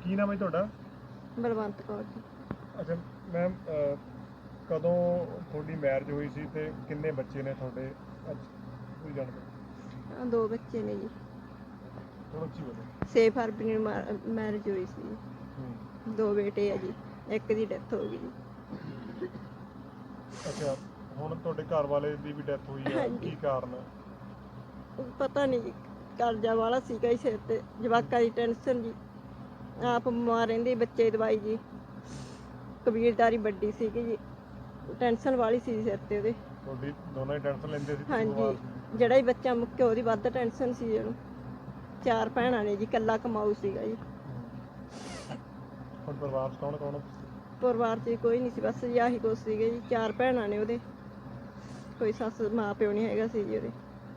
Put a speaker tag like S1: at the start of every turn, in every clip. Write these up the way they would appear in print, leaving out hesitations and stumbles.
S1: ਕੀ ਨਾਮ ਹੈ ਤੁਹਾਡਾ?
S2: ਬਲਵੰਤ ਕੌਰ ਜੀ।
S1: ਅੱਛਾ ਮੈਮ, ਕਦੋਂ ਤੁਹਾਡੀ ਮੈਰਿਜ ਹੋਈ ਸੀ ਤੇ ਕਿੰਨੇ ਬੱਚੇ ਨੇ ਤੁਹਾਡੇ? ਅੱਜ ਕੋਈ ਜਾਣਕਾਰੀ?
S2: 2 ਬੱਚੇ ਨੇ ਜੀ।
S1: ਥੋੜਾ ਉੱਚੀ ਬੋਲੋ।
S2: 6 ਫਰਵਰੀ ਨੂੰ ਮੈਰਿਜ ਹੋਈ ਸੀ। 2 ਬੇਟੇ ਆ ਜੀ, ਇੱਕ ਦੀ ਡੈਥ ਹੋ ਗਈ ਜੀ।
S1: ਅੱਛਾ, ਹੁਣ ਤੁਹਾਡੇ ਘਰ ਵਾਲੇ ਦੀ ਵੀ ਡੈਥ ਹੋਈ ਆ,
S2: ਹਾਂਜੀ।
S1: ਕੀ ਕਾਰਨ?
S2: ਪਤਾ ਨਹੀਂ ਜੀ, ਕਰਜ਼ਾ ਵਾਲਾ ਸੀਗਾ ਜੀ ਸਿਰ ਤੇ, ਜਵਾਕਾਂ ਦੀ ਟੈਨਸ਼ਨ ਜੀ, ਆਪ ਬਿਮਾਰ ਰਹਿੰਦੀ, ਬੱਚੇ ਦੀ ਦਵਾਈ ਜੀ, ਕਬੀਲਦਾਰੀ ਵੱਡੀ ਸੀਗੀ ਜੀ, ਟੈਨਸ਼ਨ ਵਾਲੀ ਸੀ ਸਿਰ ਤੇ ਉਹਦੇ।
S1: ਤੁਹਾਡੀ ਦੋਨਾਂ ਹੀ ਟੈਨਸ਼ਨ ਲੈਂਦੇ ਸੀ?
S2: ਹਾਂਜੀ, ਜਿਹੜਾ ਹੀ ਬੱਚਾ ਮੁੱਕਿਆ ਉਹਦੀ ਵੱਧ ਟੈਨਸ਼ਨ ਸੀ ਉਹਨੂੰ। 4 ਭੈਣਾਂ ਨੇ ਜੀ, ਇਕੱਲਾ ਕਮਾਊ ਸੀਗਾ ਜੀ।
S1: ਹੁਣ ਪਰਿਵਾਰ 'ਚ ਕੌਣ ਕੌਣ?
S2: ਪਰਿਵਾਰ 'ਚ ਕੋਈ ਨਹੀਂ ਸੀ, ਬਸ ਜੀ ਆਹੀ ਕੁਛ ਸੀਗੇ ਜੀ। 4 ਭੈਣਾਂ ਨੇ ਉਹਦੇ, ਕੋਈ ਸੱਸ ਮਾਂ ਪਿਓ ਨਹੀਂ ਹੈਗਾ ਸੀ ਜੀ ਉਹਦੇ।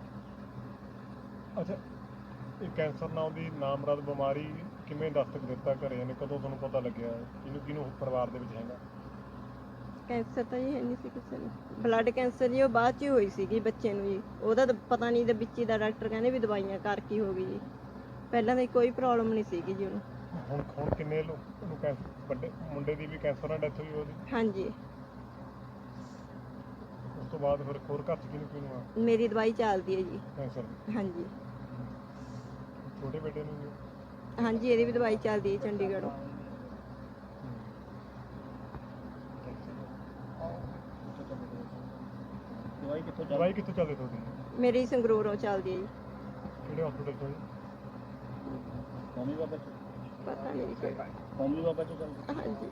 S1: ਅੱਛਾ, ਇਹ ਕੈਂਸਰ ਨਾਮ ਦੀ ਨਾਮਰਦ ਬਿਮਾਰੀ ਕਿਵੇਂ ਦਸਤਕ ਦਿੱਤਾ ਘਰੇ ਨੇ? ਕਦੋਂ ਤੁਹਾਨੂੰ ਪਤਾ ਲੱਗਿਆ ਕਿਹਨੂੰ ਕਿਹਨੂੰ ਪਰਿਵਾਰ ਦੇ ਵਿੱਚ ਹੈਗਾ?
S2: ਕੈਂਸਰ ਤਾਂ ਜੀ ਹੈ ਨਹੀਂ ਸੀ ਕਿਸੇ ਨੂੰ। ਬਲੱਡ ਕੈਂਸਰ ਜੀ ਉਹ ਬਾਅਦ 'ਚ ਹੀ ਹੋਈ ਸੀਗੀ ਬੱਚੇ ਨੂੰ ਜੀ। ਉਹਦਾ ਤਾਂ ਪਤਾ ਨਹੀਂ, ਵਿੱਚ ਹੀ ਦਾ ਡਾਕਟਰ ਕਹਿੰਦੇ ਵੀ ਦਵਾਈਆਂ ਕਰਕੇ ਹੀ ਹੋ ਗਈ ਜੀ। ਪਹਿਲਾਂ ਤਾਂ ਕੋਈ ਪ੍ਰੋਬਲਮ ਨਹੀਂ ਸੀਗੀ ਜੀ ਉਹਨੂੰ।
S1: ਹੁਣ ਕਿੰਨੇ ਲੋਕ ਨੂੰ ਕੈਂਸਰ? ਵੱਡੇ ਮੁੰਡੇ ਦੀ ਵੀ ਕੈਂਸਰ ਨਾਲ ਡੈਥ ਹੋਈ ਉਹਦੀ?
S2: ਹਾਂਜੀ।
S1: ਉਸ ਤੋਂ ਬਾਅਦ ਫਿਰ ਹੋਰ ਘਰ 'ਚ ਕਿਹਨੂੰ ਆ?
S2: ਮੇਰੀ ਦਵਾਈ ਚੱਲਦੀ ਹੈ ਜੀ।
S1: ਕੈਂਸਰ ਦੀ?
S2: ਹਾਂਜੀ।
S1: ਛੋਟੇ ਬੇਟੇ ਨੂੰ ਵੀ?
S2: ਹਾਂਜੀ, ਇਹਦੀ ਵੀ ਦਵਾਈ ਚੱਲਦੀ ਹੈ ਚੰਡੀਗੜ੍ਹੋਂ।
S1: ਦਵਾਈ ਕਿੱਥੋਂ ਚੱਲਦੀ ਤੁਹਾਡੀ?
S2: ਮੇਰੀ ਸੰਗਰੂਰੋਂ ਚੱਲਦੀ ਹੈ ਜੀ।
S1: ਕਿਹੜੇ ਹਸਪੀਟਲ ਤੋਂ?
S3: ਕੌਮੀ ਬਾਬਾ ਚ?
S2: ਪਤਾ ਨਹੀਂ ਜੀ।
S3: ਕੌਮੀ ਬਾਬਾ ਚ ਚੱਲਦੀ?
S2: ਹਾਂਜੀ।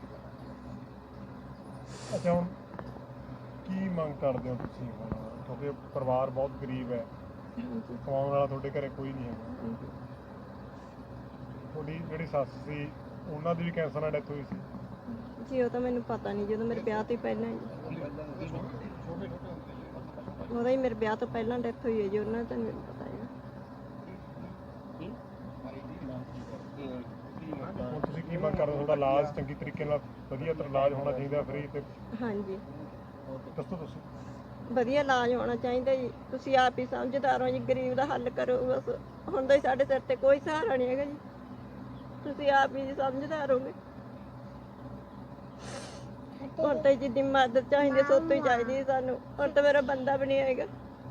S1: ਅੱਛਾ, ਹੁਣ ਕੀ ਮੰਗ ਕਰਦੇ ਹੋ ਤੁਸੀਂ ਹੁਣ? ਕਿਉਂਕਿ ਪਰਿਵਾਰ ਬਹੁਤ ਗਰੀਬ ਹੈ,
S2: ਹਾਂਜੀ।
S1: ਕਮਾਉਣ ਵਾਲਾ ਤੁਹਾਡੇ ਘਰੇ ਕੋਈ ਨਹੀਂ ਹੈਗਾ।
S2: ਹਾਂਜੀ।
S1: ਤੁਹਾਡੀ ਜਿਹੜੀ ਸੱਸ ਸੀ ਉਹਨਾਂ ਦੀ ਵੀ ਕੈਂਸਰ ਨਾਲ ਡੈਥ ਹੋਈ ਸੀ?
S2: ਜੀ ਉਹ ਤਾਂ ਮੈਨੂੰ ਪਤਾ ਨਹੀਂ, ਜਦੋਂ ਮੇਰੇ ਵਿਆਹ ਤੋਂ ਹੀ ਪਹਿਲਾਂ ਜੀ। ਉਹਦਾ ਹੀ ਮੇਰੇ ਵਿਆਹ ਤੋਂ ਪਹਿਲਾਂ ਡੈਥ ਹੋਈ ਹੈ ਜੀ, ਉਹਨਾਂ ਦਾ ਤਾਂ ਮੈਨੂੰ ਪਤਾ ਹੈ।
S1: ਹੁਣ ਤੁਸੀਂ ਕੀ ਮੰਗ ਕਰਦੇ ਹੋ? ਤੁਹਾਡਾ ਇਲਾਜ ਚੰਗੀ ਤਰੀਕੇ ਨਾਲ ਵਧੀਆ ਤਰ੍ਹਾਂ ਇਲਾਜ ਹੋਣਾ ਚਾਹੀਦਾ, ਫ੍ਰੀ ਤੇ?
S2: ਹਾਂਜੀ,
S1: ਦੱਸੋ ਤੁਸੀਂ।
S2: ਵਧੀਆ ਇਲਾਜ ਹੋਣਾ ਚਾਹੀਦਾ ਜੀ। ਤੁਸੀਂ ਆਪ ਹੀ ਸਮਝਦਾਰ ਹੋ ਜੀ, ਗਰੀਬ ਦਾ ਹੱਲ ਕਰੋ ਬਸ। ਹੁਣ ਤਾਂ ਸਾਡੇ ਸਿਰ ਤੇ ਕੋਈ ਸਹਾਰਾ ਨਹੀਂ ਹੈਗਾ ਜੀ, ਤੁਸੀਂ ਆਪ ਹੀ ਸਮਝਦਾਰ ਹੋਗੇ। ਹੁਣ ਤਾਂ ਜਿੱਦੀ ਮਦਦ ਚਾਹੀਦੀ ਸੋਤੋਂ ਹੀ ਚਾਹੀਦੀ ਸਾਨੂੰ। ਹੁਣ ਤਾਂ ਮੇਰਾ ਬੰਦਾ ਵੀ ਨਹੀਂ ਹੈਗਾ।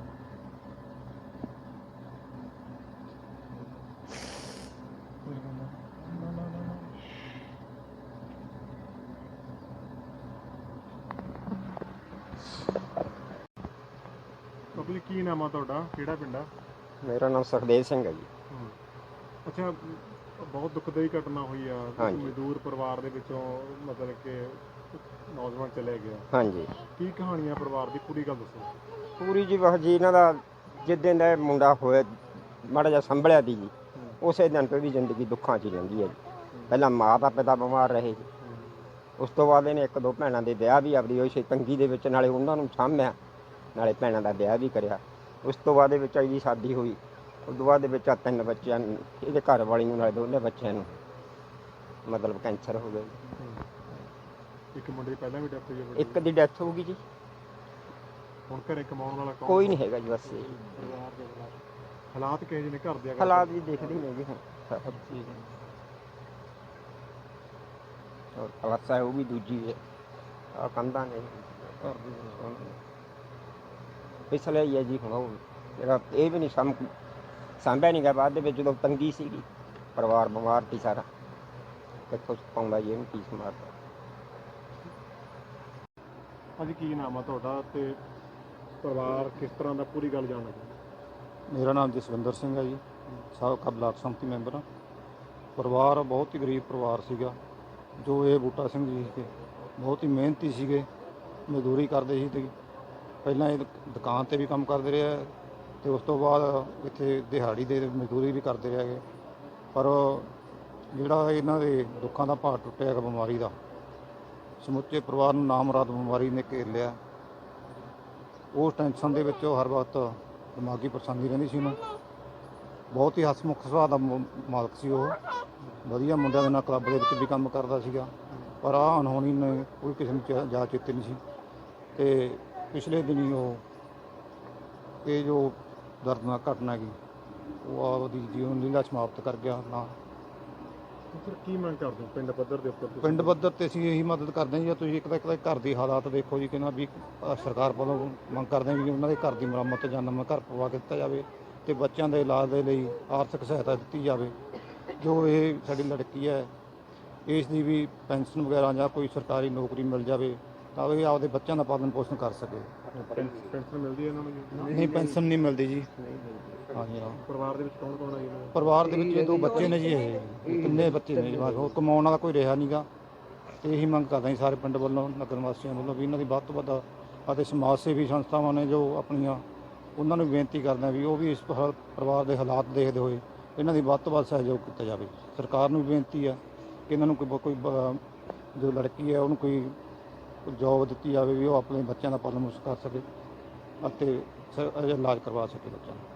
S1: ਬਾਬੂ ਜੀ, ਕੀ ਨਾਮ ਆ ਤੁਹਾਡਾ? ਕਿਹੜਾ ਪਿੰਡ ਆ?
S4: ਮੇਰਾ ਨਾਮ ਸੁਖਦੇਵ ਸਿੰਘ ਹੈ ਜੀ।
S1: ਅੱਛਾ, ਬਹੁਤ ਦੁਖਦਾਈ ਘਟਨਾ ਹੋਈ ਆ।
S4: ਹਾਂਜੀ।
S1: ਮਜ਼ਦੂਰ ਪਰਿਵਾਰ ਦੇ ਵਿੱਚੋਂ ਮਤਲਬ ਕਿ ਨੌਜਵਾਨ ਚਲੇ ਗਿਆ।
S4: ਹਾਂਜੀ,
S1: ਕੀ ਕਹਾਣੀ ਆ ਪਰਿਵਾਰ ਦੀ? ਪੂਰੀ ਗੱਲ ਦੱਸੋ।
S4: ਪੂਰੀ ਜੀ। ਬਸ ਜੀ ਇਹਨਾਂ ਦਾ ਜਿੱਦਣ ਦਾ ਇਹ ਮੁੰਡਾ ਹੋਇਆ, ਮਾੜਾ ਜਿਹਾ ਸੰਭਲਿਆ ਦੀ ਜੀ, ਉਸੇ ਦਿਨ ਤੋਂ ਵੀ ਜ਼ਿੰਦਗੀ ਦੁੱਖਾਂ 'ਚ ਹੀ ਰਹਿੰਦੀ ਹੈ ਜੀ। ਪਹਿਲਾਂ ਮਾਤਾ ਪਿਤਾ ਬਿਮਾਰ ਰਹੇ ਜੀ, ਉਸ ਤੋਂ ਬਾਅਦ ਇਹਨੇ 1-2 ਭੈਣਾਂ ਦੇ ਵਿਆਹ ਵੀ ਆਪਦੀ ਹੋਈ ਸੀ ਤੰਗੀ ਦੇ ਵਿੱਚ, ਨਾਲੇ ਉਹਨਾਂ ਨੂੰ ਸਾਂਭਿਆ, ਨਾਲੇ ਭੈਣਾਂ ਦਾ ਵਿਆਹ ਵੀ ਕਰਿਆ। ਉਸ ਤੋਂ ਬਾਅਦ ਦੇ ਵਿੱਚ ਇਹਦੀ ਸ਼ਾਦੀ ਹੋਈ। ਉਸ ਤੋਂ ਬਾਅਦ ਦੇ ਵਿੱਚ 3 ਬੱਚਿਆਂ ਨੂੰ, ਇਹਦੇ ਘਰ ਵਾਲੀ ਨੂੰ, ਨਾਲੇ ਦੋਨੇ ਬੱਚਿਆਂ ਨੂੰ ਮਤਲਬ ਕੈਂਸਰ ਹੋ ਗਿਆ ਜੀ।
S1: ਇੱਕ ਮੁੰਡੇ ਦੀ ਪਹਿਲਾਂ ਵੀ ਡੈਥ ਹੋਈ ਆ?
S4: ਇੱਕ ਦੀ ਡੈਥ ਹੋ ਗਈ ਜੀ।
S1: ਹੁਣ ਘਰੇ ਕਮਾਉਣ ਵਾਲਾ ਕੌਣ?
S4: ਕੋਈ ਨਹੀਂ ਹੈਗਾ ਜੀ, ਬਸ ਇਹ
S1: ਹਾਲਾਤ ਕਿਹੋ ਜਿਹੇ ਨੇ ਘਰ ਦੇ?
S4: ਹਾਲਾਤ ਵੀ ਦੇਖਦੇ ਨੇ ਜੀ ਹੁਣ ਸਭ ਚੀਜ਼। ਔਰ ਕਲਾਸ ਹੈ ਉਹ ਵੀ ਦੂਜੀ ਹੈ, ਆ ਕੰਧਾਂ ਨੇ ਘਰ ਦੀ ਪਿਛਲੇ ਹੀ ਹੈ ਜੀ। ਹੁਣ ਉਹ ਜਿਹੜਾ ਇਹ ਵੀ ਨਹੀਂ ਸਾਂਭਿਆ ਨਹੀਂ ਗਿਆ ਬਾਅਦ ਦੇ ਵਿੱਚ, ਜਦੋਂ ਤੰਗੀ ਸੀਗੀ, ਪਰਿਵਾਰ ਬਿਮਾਰ ਸੀ ਸਾਰਾ, ਕਿੱਥੋਂ ਪਾਉਂਦਾ ਜੀ ਇਹਨੂੰ ਫੀਸ ਮਾਰਦਾ।
S1: ਅੱਜ ਕੀ ਨਾਮ ਆ ਤੁਹਾਡਾ ਤੇ ਪਰਿਵਾਰ ਕਿਸ ਤਰ੍ਹਾਂ ਦਾ? ਪੂਰੀ ਗੱਲ ਜਾਣਨਾ ਚਾਹੁੰਦਾ।
S3: ਮੇਰਾ ਨਾਮ ਜਸਵਿੰਦਰ ਸਿੰਘ ਹੈ ਜੀ, ਸਾਬਕਾ ਬਲਾਕ ਸੰਮਤੀ ਮੈਂਬਰ ਹਾਂ। ਪਰਿਵਾਰ ਬਹੁਤ ਹੀ ਗਰੀਬ ਪਰਿਵਾਰ ਸੀਗਾ। ਜੋ ਇਹ ਬੂਟਾ ਸਿੰਘ ਜੀ ਸੀਗੇ, ਬਹੁਤ ਹੀ ਮਿਹਨਤੀ ਸੀਗੇ, ਮਜ਼ਦੂਰੀ ਕਰਦੇ ਸੀ। ਤੇ ਪਹਿਲਾਂ ਇਹ ਦੁਕਾਨ 'ਤੇ ਵੀ ਕੰਮ ਕਰਦੇ ਰਹੇ ਅਤੇ ਉਸ ਤੋਂ ਬਾਅਦ ਇੱਥੇ ਦਿਹਾੜੀ ਦੇ ਮਜ਼ਦੂਰੀ ਵੀ ਕਰਦੇ ਰਹੇ ਹੈਗੇ। ਪਰ ਜਿਹੜਾ ਇਹਨਾਂ ਦੇ ਦੁੱਖਾਂ ਦਾ ਭਾਰ ਟੁੱਟਿਆ ਹੈਗਾ ਬਿਮਾਰੀ ਦਾ, ਸਮੁੱਚੇ ਪਰਿਵਾਰ ਨੂੰ ਨਾਮੁਰਾਦ ਬਿਮਾਰੀ ਨੇ ਘੇਰ ਲਿਆ। ਉਸ ਟੈਨਸ਼ਨ ਦੇ ਵਿੱਚ ਉਹ ਹਰ ਵਕਤ ਦਿਮਾਗੀ ਪਰੇਸ਼ਾਨੀ ਰਹਿੰਦੀ ਸੀ ਉਹਨੂੰ। ਬਹੁਤ ਹੀ ਹਸਮੁਖ ਸੁਭਾਅ ਦਾ ਮਾਲਕ ਸੀ ਉਹ। ਵਧੀਆ ਮੁੰਡਿਆਂ ਦੇ ਨਾਲ ਕਲੱਬ ਦੇ ਵਿੱਚ ਵੀ ਕੰਮ ਕਰਦਾ ਸੀਗਾ। ਪਰ ਆਹ ਅਣਹੋਣੀ ਨੇ ਕੋਈ ਕਿਸੇ ਨੂੰ ਜਾ ਚੇਤੇ ਨਹੀਂ ਸੀ। ਅਤੇ ਪਿਛਲੇ ਦਿਨੀ ਉਹ ਇਹ ਜੋ ਦਰਦਨਾਕ ਘਟਨਾ ਹੈਗੀ, ਉਹ ਆਪਦੀ ਜੀਵਨ ਲੀਲਾ ਸਮਾਪਤ ਕਰ ਗਿਆ। ਨਾ
S1: ਸਰ ਕੀ ਮੰਗ ਕਰਦੇ ਹੋ ਪਿੰਡ ਪੱਧਰ ਦੇ ਉੱਪਰ ਤੁਸੀਂ?
S3: ਪਿੰਡ ਪੱਧਰ ਤੇ ਅਸੀਂ ਇਹੀ ਮਦਦ ਕਰਦੇ ਹਾਂ ਜੀ, ਤੁਸੀਂ ਇੱਕ ਤਾਂ ਘਰ ਦੀ ਹਾਲਾਤ ਦੇਖੋ ਜੀ, ਕਿੰਨਾ ਵੀ ਸਰਕਾਰ ਵੱਲੋਂ ਮੰਗ ਕਰਦੇ ਹਾਂ ਵੀ ਉਹਨਾਂ ਦੇ ਘਰ ਦੀ ਮੁਰੰਮਤ ਜਾਂ ਨਵਾਂ ਘਰ ਪਵਾ ਕੇ ਦਿੱਤਾ ਜਾਵੇ ਤੇ ਬੱਚਿਆਂ ਦੇ ਇਲਾਜ ਦੇ ਲਈ ਆਰਥਿਕ ਸਹਾਇਤਾ ਦਿੱਤੀ ਜਾਵੇ। ਜੋ ਇਹ ਸਾਡੀ ਲੜਕੀ ਹੈ ਇਸ ਦੀ ਵੀ ਪੈਨਸ਼ਨ ਵਗੈਰਾ ਜਾਂ ਕੋਈ ਸਰਕਾਰੀ ਨੌਕਰੀ ਮਿਲ ਜਾਵੇ ਤਾਂ ਇਹ ਆਪਦੇ ਬੱਚਿਆਂ ਦਾ ਪਾਲਣ ਪੋਸ਼ਣ ਕਰ ਸਕੇ।
S1: ਪੈਨਸ਼ਨ ਮਿਲਦੀ ਹੈ ਇਹਨਾਂ ਨੂੰ ਜੀ?
S3: ਨਹੀਂ, ਪੈਨਸ਼ਨ ਨਹੀਂ ਮਿਲਦੀ ਜੀ। ਹਾਂਜੀ ਹਾਂ।
S1: ਪਰਿਵਾਰ ਦੇ ਵਿੱਚ ਕੌਣ ਕੌਣ ਹੈ ਜੀ ਇਹਨਾਂ ਦੇ?
S3: ਪਰਿਵਾਰ ਦੇ ਵਿੱਚ 2 ਬੱਚੇ ਨੇ ਜੀ, ਇਹ ਤਿੰਨੇ ਬੱਚੇ ਨੇ ਜੀ, ਬਸ ਹੋਰ ਕਮਾਉਣ ਵਾਲਾ ਕੋਈ ਰਿਹਾ ਨਹੀਂਗਾ। ਤੇ ਇਹੀ ਮੰਗ ਕਰਦੇ ਹਾਂ ਸਾਰੇ ਪਿੰਡ ਵੱਲੋਂ, ਨਗਰ ਵਾਸੀਆਂ ਵੱਲੋਂ ਵੀ ਇਹਨਾਂ ਦੀ ਵੱਧ ਤੋਂ ਵੱਧ ਅਤੇ ਸਮਾਜ ਸੇਵੀ ਸੰਸਥਾਵਾਂ ਨੇ ਜੋ ਆਪਣੀਆਂ, ਉਹਨਾਂ ਨੂੰ ਬੇਨਤੀ ਕਰਦੇ ਹਾਂ ਵੀ ਉਹ ਵੀ ਇਸ ਪਰਿਵਾਰ ਦੇ ਹਾਲਾਤ ਦੇਖਦੇ ਹੋਏ ਇਹਨਾਂ ਦੀ ਵੱਧ ਤੋਂ ਵੱਧ ਸਹਿਯੋਗ ਕੀਤਾ ਜਾਵੇ। ਸਰਕਾਰ ਨੂੰ ਵੀ ਬੇਨਤੀ ਹੈ ਕਿ ਇਹਨਾਂ ਨੂੰ ਕੋਈ ਜੋ ਲੜਕੀ ਹੈ ਉਹਨੂੰ ਕੋਈ ਜੋਬ ਦਿੱਤੀ ਜਾਵੇ ਵੀ ਉਹ ਆਪਣੇ ਬੱਚਿਆਂ ਦਾ ਪਾਲਣ ਪੋਸ਼ਣ ਕਰ ਸਕੇ ਅਤੇ ਇਲਾਜ ਕਰਵਾ ਸਕੇ ਬੱਚਿਆਂ ਨੂੰ।